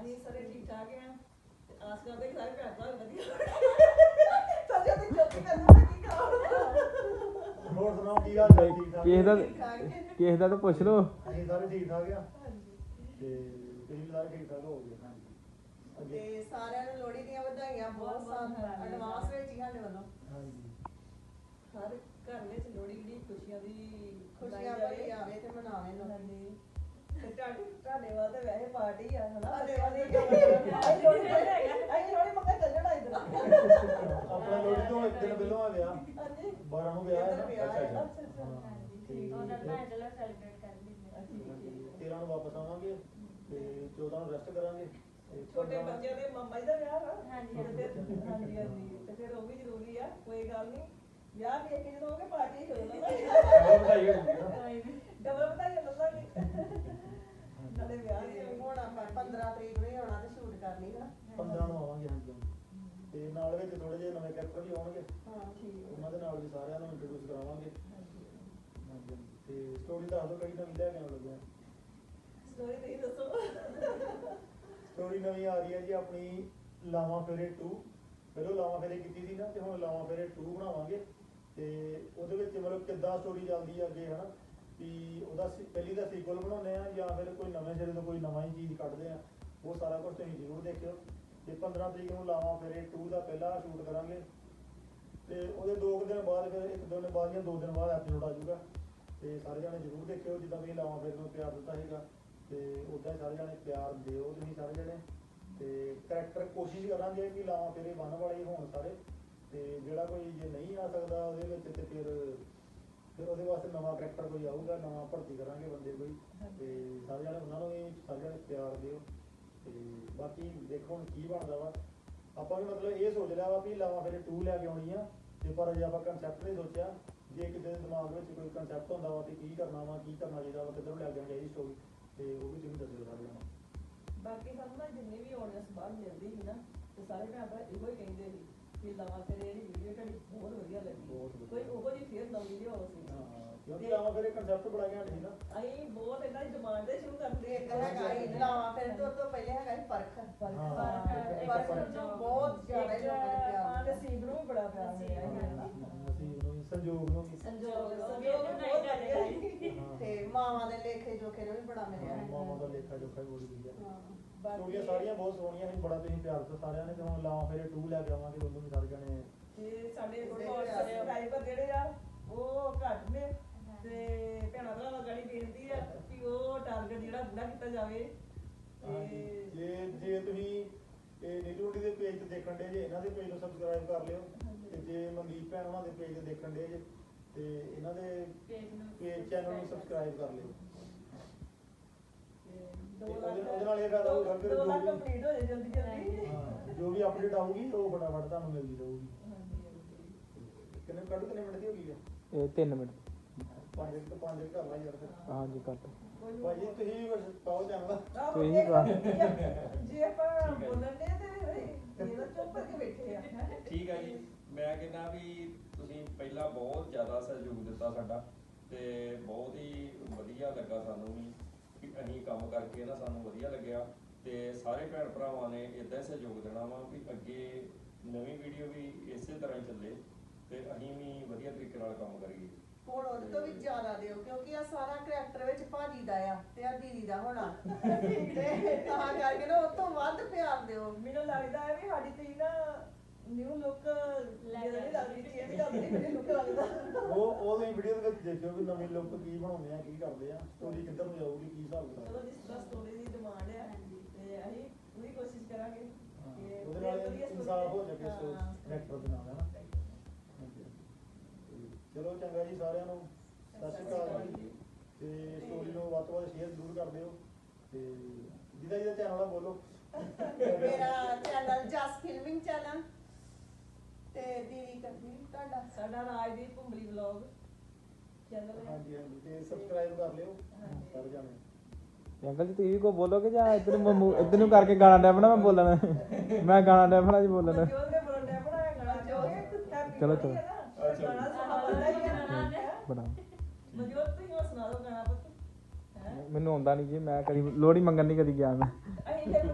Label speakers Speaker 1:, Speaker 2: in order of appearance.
Speaker 1: ਅਸੀਂ ਸਾਰੇ ਠੀਕ ਠਾਕ ਆ ਆਸ ਕਰਦੇ ਸਾਰੇ ਭੈਣ ਭਰਾ ਵਧੀਆ ਸੱਜੇ ਤੇ ਚੁੱਪ ਕਰਨਾ ਕੀ ਕਰਾਉਣਾ
Speaker 2: ਹੋਰ ਸੁਣਾਓ ਕੀ ਹਾਲ ਹੈ ਠੀਕ ਠਾਕ
Speaker 3: ਕਿਸੇ ਦਾ ਤਾਂ ਪੁੱਛ ਲਓ
Speaker 2: ਅਸੀਂ ਸਾਰੇ ਠੀਕ ਠਾਕ ਆ ਤੇ ਤੁਸੀਂ ਸਾਰੇ ਠੀਕ ਠਾਕ ਹੋ ਗਏ
Speaker 1: ਤੇ ਸਾਰਿਆਂ ਨੂੰ ਲੋਹੜੀ ਦੀਆਂ ਵਧਾਈਆਂ ਬਹੁਤ ਸਾਰਾ ਐਡਵਾਂਸ ਵਿੱਚ ਹੀ ਸਾਡੇ ਵੱਲੋਂ
Speaker 2: ਹਾਂਜੀ
Speaker 1: ਹਰ ਘਰ ਵਿੱਚ ਲੋਹੜੀ ਦੀ ਖੁਸ਼ੀਆਂ
Speaker 4: ਖੁਸ਼ੀਆਂ ਭਰੀ ਆਵੇ ਤੇ ਮਨਾਵੇ ਲੋਕੀ
Speaker 1: ਤੇ ਤੁਹਾਡੇ ਵੱਲ ਤੇ ਵੈਸੇ ਪਾਰਟੀ ਆ ਹਨਾ
Speaker 4: ਸਾਡੇ ਵੱਲ
Speaker 1: ਅਸੀਂ ਲੋਹੜੀ ਮੰਗਾ ਚੱਲਣਾ ਇਧਰ
Speaker 2: ਆਪਣਾ ਲੋਹੜੀ ਤੋਂ ਇੱਕ ਦਿਨ ਪਹਿਲਾਂ ਆ ਗਿਆ
Speaker 1: ਹਾਂਜੀ
Speaker 2: 12 ਨੂੰ ਵਿਆਹ
Speaker 4: ਇੱਧਰ ਵਿਆਹ ਹੈ।
Speaker 1: ਅੱਛਾ
Speaker 5: ਉਹਨਾਂ ਦਾ ਚਲੋ ਸੈਲੀਬ੍ਰੇਟ ਕਰ ਲੈਂਦੇ
Speaker 2: 13 ਨੂੰ ਵਾਪਸ ਆਵਾਂਗੇ ਤੇ 14 ਨੂੰ ਰੈਸਟ ਕਰਾਂਗੇ ਤੇ
Speaker 1: ਛੋਟੇ ਬੱਚਿਆਂ ਦੇ ਮਾਮਾ ਜੀ ਦਾ ਵਿਆਹ ਵਾ
Speaker 5: ਹਾਂਜੀ।
Speaker 1: ਤੇ ਫਿਰ ਹਾਂਜੀ ਤੇ ਫਿਰ ਉਹ ਵੀ ਜ਼ਰੂਰੀ ਆ ਕੋਈ ਗੱਲ ਨਹੀਂ ਵਿਆਹ ਵੇਖ ਕੇ ਜਦੋਂ ਹੋਗੇ ਪਾਰਟੀ ਹੋ
Speaker 2: ਬਹੁਤ ਵਧਾਈ ਹੋਊਗੀ ਨਾ।
Speaker 1: ਡਬਲ ਵਧਾਈਆਂ ਲੱਲਾਂਗੇ ਨਾਲੇ ਵਿਆਹ ਦੀ
Speaker 4: ਹੁਣ ਆਪਾਂ 15 ਤਰੀਕ ਨੂੰ ਹੀ ਆਉਣਾ ਤੇ ਸ਼ੂਟ ਕਰਨੀ ਨਾ
Speaker 2: 15 ਨੂੰ ਆਵਾਂਗੇ ਹਾਂਜੀ ਤੇ ਨਾਲ ਵਿੱਚ ਥੋੜੇ ਜਿਹੇ ਨਵੇਂ ਕੈਰੈਕਟਰ ਵੀ ਆਉਣਗੇ
Speaker 1: ਹਾਂ ਠੀਕ
Speaker 2: ਉਹਨਾਂ ਦੇ ਨਾਲ ਵੀ ਸਾਰਿਆਂ ਨੂੰ ਇੰਟਰੋਡਿਊਸ ਕਰਾਵਾਂਗੇ ਹਾਂਜੀ ਤੇ ਸਟੋਰੀ ਦੱਸ ਦਿਓ ਕਿਹੜੀ ਨਵੀਂ ਲੈ ਕੇ ਆਉਣ ਲੱਗੇ ਆ
Speaker 1: ਸਟੋਰੀ ਤੁਸੀਂ ਦੱਸੋ
Speaker 2: ਸਟੋਰੀ ਨਵੀਂ ਆ ਰਹੀ ਹੈ ਜੀ ਆਪਣੀ ਲਾਵਾਂ ਫੇਰੇ 2 ਪਹਿਲਾਂ ਲਾਵਾਂ ਫੇਰੇ ਕੀਤੀ ਸੀ ਨਾ ਤੇ ਹੁਣ ਲਾਵਾਂ ਫੇਰੇ 2 ਬਣਾਵਾਂਗੇ ਤੇ ਉਹਦੇ ਵਿੱਚ ਮਤਲਬ ਕਿੱਦਾਂ ਸਟੋਰੀ ਚੱਲਦੀ ਹੈ ਅੱਗੇ ਹਨਾ ਵੀ ਉਹਦਾ ਪਹਿਲੀ ਦਾ ਸੀਕੁਅਲ ਬਣਾਉਂਦੇ ਆ ਜਾਂ ਫਿਰ ਕੋਈ ਨਵੇਂ ਸਿਰੇ ਤੋਂ ਕੋਈ ਨਵਾਂ ਹੀ ਚੀਜ਼ ਕੱਢਦੇ ਆ ਉਹ ਸਾਰਾ ਕੁਝ ਤੁਸੀਂ ਜ਼ਰੂਰ ਦੇਖਿਓ ਤੇ 15 ਤਰੀਕ ਨੂੰ ਲਾਵਾਂ ਫੇਰੇ 2 ਦਾ ਪਹਿਲਾ ਸ਼ੂਟ ਕਰਾਂਗੇ ਤੇ ਉਹਦੇ 2 ਦਿਨ ਬਾਅਦ ਫਿਰ ਇੱਕ ਦੋ ਦਿਨ ਬਾਅਦ ਜਾਂ 2 ਦਿਨ ਬਾਅਦ ਐਪੀਸੋਡ ਆ ਜਾਊਗਾ ਤੇ ਸਾਰੇ ਜਾਣੇ ਜ਼ਰੂਰ ਦੇਖਿਓ ਜਿੱਦਾਂ ਤੁਸੀਂ ਲਾਵਾਂ ਫੇਰੇ ਨੂੰ ਪਿਆਰ ਦਿੱਤਾ ਸੀਗਾ ਤੇ ਉੱਦਾਂ ਹੀ ਸਾਰੇ ਜਾਣੇ ਪਿਆਰ ਦਿਓ ਤੁਸੀਂ ਸਾਰੇ ਜਾਣੇ ਤੇ ਕਰੈਕਟਰ ਕੋਸ਼ਿਸ਼ ਕਰਾਂਗੇ ਕਿ ਲਾਵਾਂ ਫੇਰੇ ਬੰਨ ਵਾਲੇ ਹੋਣ ਸਾਰੇ ਤੇ ਜਿਹੜਾ ਕੋਈ ਜੇ ਨਹੀਂ ਆ ਸਕਦਾ ਉਹਦੇ ਵਿੱਚ ਤੇ ਫਿਰ ਉਹਦੇ ਵਾਸਤੇ ਨਵਾਂ ਕਰੈਕਟਰ ਕੋਈ ਆਊਗਾ ਨਵਾਂ ਭਰਤੀ ਕਰਾਂਗੇ ਬੰਦੇ ਕੋਈ ਤੇ ਸਾਰੇ ਜਾਣੇ ਉਹਨਾਂ ਨੂੰ ਵੀ ਸਾਰੇ ਜਾਣੇ ਪਿਆਰ ਦਿਓ ਤੇ ਬਾਕੀ ਦੇਖੋ ਹੁਣ ਕੀ ਬਣਦਾ ਵਾ ਆਪਾਂ ਵੀ ਮਤਲਬ ਇਹ ਸੋਚ ਲਿਆ ਵਾ ਵੀ ਲਾਵਾਂ ਫੇਰੇ 2 ਲੈ ਕੇ ਆਉਣੀ ਆ ਤੇ ਪਰ ਅਜੇ ਆਪਾਂ ਕੰਸੈਪਟ ਨਹੀਂ ਸੋਚਿਆ ਜੇ ਕਿਤੇ ਦੇ ਦਿਮਾਗ ਵਿੱਚ ਕੋਈ ਕੰਸੈਪਟ ਹੁੰਦਾ ਵਾ ਕਿ ਕੀ ਕਰਨਾ ਵਾ ਕੀ ਕਰਨਾ ਚਾਹੀਦਾ ਵਾ ਕਿੱਧਰ ਨੂੰ ਲੈ ਕੇ ਆਉਣੀ ਚਾਹੀਦੀ ਸਟੋਰੀ ਤੇ ਉਹ ਵੀ ਤੁਸੀਂ ਦੱਸਿਓ ਸਾਰੇ ਜਾਣੇ
Speaker 1: ਬਾਕੀ ਸਾਨੂੰ ਨਾ ਜਿੰਨੇ ਵੀ ਆਉਣੇ ਸਬਾਨ ਮਿਲਦੀ ਸੀ ਨਾ ਤੇ ਸਾਰੇ ਭੈਣ ਭਰਾ ਇਹੋ ਹੀ ਕਹਿੰਦੇ ਸੀ ਕਿ ਲਾਵਾਂ ਫੇਰੇ ਜਿਹੜੀ ਵੀਡੀਓ ਤੁਹਾਡੀ ਬਹੁਤ ਵਧੀਆ ਲੱਗੀ ਕੋਈ ਉਹੋ ਜਿਹੀ ਫੇਰ ਨਵੀਂ ਵੀਡੀਓ ਸੀ
Speaker 2: ਕਿਉਂਕਿ ਲਾਵਾਂ ਫੇਰੇ ਕੰਸੈਪਟ ਬੜਾ ਘੈਂਟ ਸੀ ਨਾ
Speaker 1: ਅਸੀਂ ਬਹੁਤ ਇਹਨਾਂ ਦੀ ਡਿਮਾਂਡ ਤੇ ਸ਼ੁਰੂ ਕਰਦੇ
Speaker 4: ਇੱਕ ਹੈਗਾ ਹੀ ਲਾਵਾਂ ਫਿਰ ਤੋਂ ਪਹਿਲੇ ਹੈਗਾ ਹੀ ਫਰਕ ਫਰਕ ਜੋ ਬਹੁਤ ਜ਼ਿਆਦਾ ਹੀ ਲੋਕਾਂ ਨੇ ਪਿਆਰ
Speaker 1: ਤੇ ਸੀਬ ਨੂੰ ਵੀ ਬੜਾ ਪਿਆਰ ਮਿਲਿਆ ਹੈ ਨਾ
Speaker 2: ਨਸੀਬ ਨੂੰ ਵੀ ਸੰਜੋਗ ਨੂੰ ਵੀ
Speaker 1: ਸੰਜੋਗ ਬਹੁਤ ਵਧੀਆ
Speaker 4: ਤੇ ਮਾਵਾਂ ਦੇ ਲੇਖੇ ਜੋਖੇ ਨੂੰ ਵੀ ਬੜਾ ਮਿਲਿਆ
Speaker 2: ਮਾਮਾ ਦਾ ਲੇਖਾ ਜੋਖਾ ਵੀ ਬੜੀ ਵਧੀਆ
Speaker 4: ਹਾਂ
Speaker 2: ਸਟੋਰੀਆਂ ਸਾਰੀਆਂ ਬਹੁਤ ਸੋਹਣੀਆਂ ਸੀ ਬੜਾ ਤੁਸੀਂ ਪਿਆਰ ਦਿੱਤਾ ਸਾਰਿਆਂ ਨੇ ਤੇ ਹੁਣ ਲਾਵਾਂ ਫੇਰੇ 2 ਲੈ ਕੇ ਆਵਾਂਗੇ ਉਹਨੂੰ ਵੀ ਸਾਰੇ ਜਾਣੇ
Speaker 1: ਤੇ ਸਾਡੇ ਸਬਸਕ੍ਰਾਈਬਰ ਜਿਹੜੇ ਆ ਉਹ ਘੱਟ ਨੇ ਤੇ ਭੈਣਾਂ ਭਰਾਵਾਂ ਗਾੜੀ ਬੇਨਤੀ ਆ ਕਿ ਉਹ ਟਾਰਗੇਟ ਜਿਹੜਾ ਪੂਰਾ ਕੀਤਾ ਜਾਵੇ ਤੇ
Speaker 2: ਜੇ ਤੁਸੀਂ ਇਹ ਨੀਲੂਡੀ ਦੇ ਪੇਜ ਤੇ ਦੇਖਣ ਦੇ ਜੇ ਇਹਨਾਂ ਦੇ ਪੇਜ ਨੂੰ ਸਬਸਕ੍ਰਾਈਬ ਕਰ ਲਿਓ ਤੇ ਜੇ ਮਨਦੀਪ ਭੈਣ ਉਹਨਾਂ ਦੇ ਪੇਜ ਤੇ ਦੇਖਣ ਦੇ ਜੇ ਤੇ ਇਹਨਾਂ ਦੇ ਪੇਜ ਚੈਨਲ ਨੂੰ ਸਬਸਕ੍ਰਾਈਬ ਕਰ ਲਿਓ ਉਹਦੇ ਨਾਲ ਇਹ ਫਾਇਦਾ ਹੋਊਗਾ ਫਿਰ
Speaker 1: 2 ਲੱਖ ਕੰਪਲੀਟ ਹੋ ਜਾਏ ਜਲਦੀ ਜਲਦੀ
Speaker 2: ਜੋ ਵੀ ਅਪਡੇਟ ਆਊਗੀ ਉਹ ਫਟਾਫਟ ਤੁਹਾਨੂੰ ਮਿਲਦੀ ਰਹੂਗੀ ਕਿੰਨੇ ਮਿੰਟ ਦੀ ਹੋ ਗਈ ਹੈ
Speaker 3: ਇਹ 3 ਮਿੰਟ
Speaker 2: 5 ਕਰ ਲਾ ਯਾਰ ਫਿਰ
Speaker 3: ਹਾਂਜੀ ਕਰ
Speaker 2: ਭਾਈ ਤੁਸੀਂ ਪਾਓ ਚੈਨਲ
Speaker 1: ਜੇ ਆਪਾਂ ਬੋਲਣ ਦੇ ਤੇ ਇਹ ਚੁੱਪ ਕਰਕੇ ਬੈਠੇ ਆ
Speaker 6: ਠੀਕ ਹੈ ਜੀ ਮੈਂ ਕਹਿੰਦਾ ਵੀ ਤੁਸੀਂ ਪਹਿਲਾਂ ਬਹੁਤ ਜ਼ਿਆਦਾ ਸਹਿਯੋਗ ਦਿੱਤਾ ਸਾਡਾ ਤੇ ਬਹੁਤ ਹੀ ਵਧੀਆ ਲੱਗਾ ਸਾਨੂੰ ਵੀ ਕਿ ਅਸੀਂ ਕੰਮ ਕਰਕੇ ਨਾ ਸਾਨੂੰ ਵਧੀਆ ਲੱਗਿਆ ਤੇ ਸਾਰੇ ਭੈਣ ਭਰਾਵਾਂ ਨੇ ਇਦਾਂ ਸਹਿਯੋਗ ਦੇਣਾ ਵਾ ਵੀ ਅੱਗੇ ਨਵੀਂ ਵੀਡੀਓ ਵੀ ਇਸੇ ਤਰ੍ਹਾਂ ਹੀ ਚੱਲੇ ਤੇ ਅਸੀਂ ਵੀ ਵਧੀਆ ਤਰੀਕੇ ਨਾਲ ਕੰਮ ਕਰੀਏ
Speaker 4: ਹੁਣ ਉਹਦੇ ਤੋਂ ਵੀ ਜ਼ਿਆਦਾ ਦਿਓ ਕਿਉਂਕਿ ਆ ਸਾਰਾ ਕਰੈਕਟਰ ਵਿੱਚ ਭਾਜੀ ਦਾ ਆ ਤੇ ਆ ਦੀਦੀ ਦਾ ਹੋਣਾ ਤੇ ਤਾਂ ਕਰਕੇ ਨਾ ਉਹ ਤੋਂ ਵੱਧ ਪਿਆਰ ਦਿਓ
Speaker 1: ਮੈਨੂੰ ਲੱਗਦਾ ਹੈ ਵੀ ਸਾਡੀ ਤੇ ਨਾ ਨਿਊ ਲੁੱਕ ਲੱਗਦੀ ਲੱਗਦੀ ਚੇਂਜ ਕਰਦੀ ਮੈਨੂੰ ਲੁੱਕ ਲੱਗਦਾ
Speaker 2: ਉਹ ਵੀਡੀਓ ਦੇ ਵਿੱਚ ਦੇਖਿਓ ਵੀ ਨਵੀਂ ਲੁੱਕ ਕੀ ਬਣਾਉਂਦੇ ਆ ਕੀ ਕਰਦੇ ਆ ਸਟੋਰੀ ਕਿੱਧਰ ਨੂੰ ਜਾਊਗੀ ਕੀ ਹਿਸਾਬ
Speaker 1: ਚਲੋ
Speaker 2: ਕਿਤਾਬ
Speaker 1: ਜਿਸ ਤਰ੍ਹਾਂ ਸਟੋਰੀ ਦੀ ਡਿਮਾਂਡ ਹੈ ਤੇ ਅਸੀਂ ਪੂਰੀ ਕੋਸ਼ਿਸ਼ ਕਰਾਂਗੇ ਕਿ
Speaker 2: ਉਹਦੇ ਨਾਲ ਇਨਸਾਫ ਹੋ ਜਾਵੇ ਕਰੈਕਟਰ ਦੇ ਨਾਲ ਹੈ ਨਾ ਚਲੋ ਚੰਗਾ ਜੀ ਸਾਰਿਆਂ ਨੂੰ ਸਤਿ ਸ਼੍ਰੀ ਅਕਾਲ ਜੀ ਤੇ ਸਟੋਰੀ ਨੂੰ ਵੱਧ ਤੋਂ ਵੱਧ ਸ਼ੇਅਰ ਜ਼ਰੂਰ ਕਰ ਦਿਓ ਤੇ ਜਿਹਦਾ ਚੈਨਲ ਆ ਬੋਲੋ
Speaker 4: ਮੇਰਾ ਚੈਨਲ ਜਸ ਫਿਲਮਿੰਗ ਚੈਨਲ ਤੇ ਦੀਦੀ ਕਰਦੀ ਤੁਹਾਡਾ
Speaker 1: ਸਾਡਾ ਰਾਜਦੀਪ ਭੁੰਬਲੀ ਵਲੌਗ ਚੈਨਲ ਹੈ
Speaker 2: ਹਾਂਜੀ ਤੇ ਸਬਸਕ੍ਰਾਈਬ ਕਰ ਲਿਓ ਸਾਰੇ ਜਾਣੇ
Speaker 3: ਅੰਕਲ ਜੀ ਤੁਸੀਂ ਕੋ ਬੋਲੋਗੇ ਜਾਂ ਇੱਧਰ ਨੂੰ ਕਰਕੇ ਗਾਣਾ ਡੈ ਬਣਾ ਮੈਂ ਬੋਲਣਾ ਮੈਂ ਗਾਣਾ ਡੈ ਬਣਾ ਜੀ ਬੋਲਣਾ
Speaker 1: ਜੋਰ ਦੇ ਬੋਲਣ ਡਿਆ ਬਣਾਇਆ ਗਾਣਾ
Speaker 3: ਚਲੋ ਚਲੋ
Speaker 1: ਗਾਣਾ ਸੁਣਾ ਹੈ
Speaker 3: ਬਣਾ
Speaker 1: ਮਨਜੋਤ ਤੁਸੀਂ ਸੁਣਾ ਦਿਓ ਗਾਣਾ ਪੁੱਤ
Speaker 3: ਮੈਨੂੰ ਆਉਂਦਾ ਨਹੀਂ ਜੀ ਮੈਂ ਕਦੀ ਲੋਹੜੀ ਮੰਗਣ ਨਹੀਂ ਕਦੀ ਗਿਆ ਮੈਂ
Speaker 1: ਅਸੀਂ ਤੇ